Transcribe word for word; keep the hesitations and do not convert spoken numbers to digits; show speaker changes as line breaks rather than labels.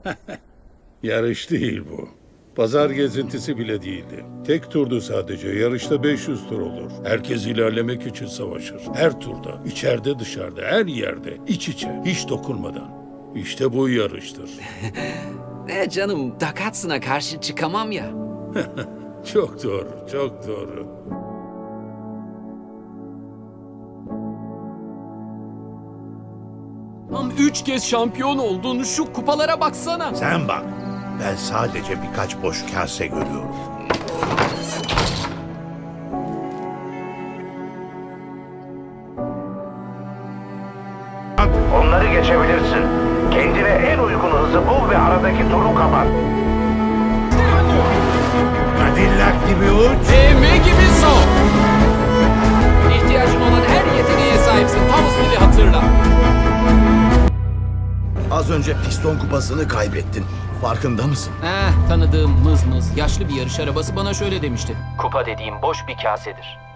Yarış değil bu. Pazar gezintisi bile değildi. Tek turdu sadece. Yarışta beş yüz tur olur. Herkes ilerlemek için savaşır. Her turda, içeride dışarıda, her yerde, iç içe, hiç dokunmadan. İşte bu yarıştır.
E canım, Dakatsın'a karşı çıkamam ya.
Çok doğru, çok doğru.
Tam üç kez şampiyon oldun. Şu kupalara baksana.
Sen bak. Ben sadece birkaç boş kase görüyorum.
Onları geçebilirsin. Kendine en uygun hızı bul ve aradaki turu kapat.
Cadillac gibi uç.
Evme gibi son. İhtiyacın olan her yeteneğe sahipsin. Thomas Bill'i hatırla.
Az önce piston kupasını kaybettin. Farkında mısın?
Eh, tanıdığım mız mız yaşlı bir yarış arabası bana şöyle demişti.
Kupa dediğim boş bir kasedir.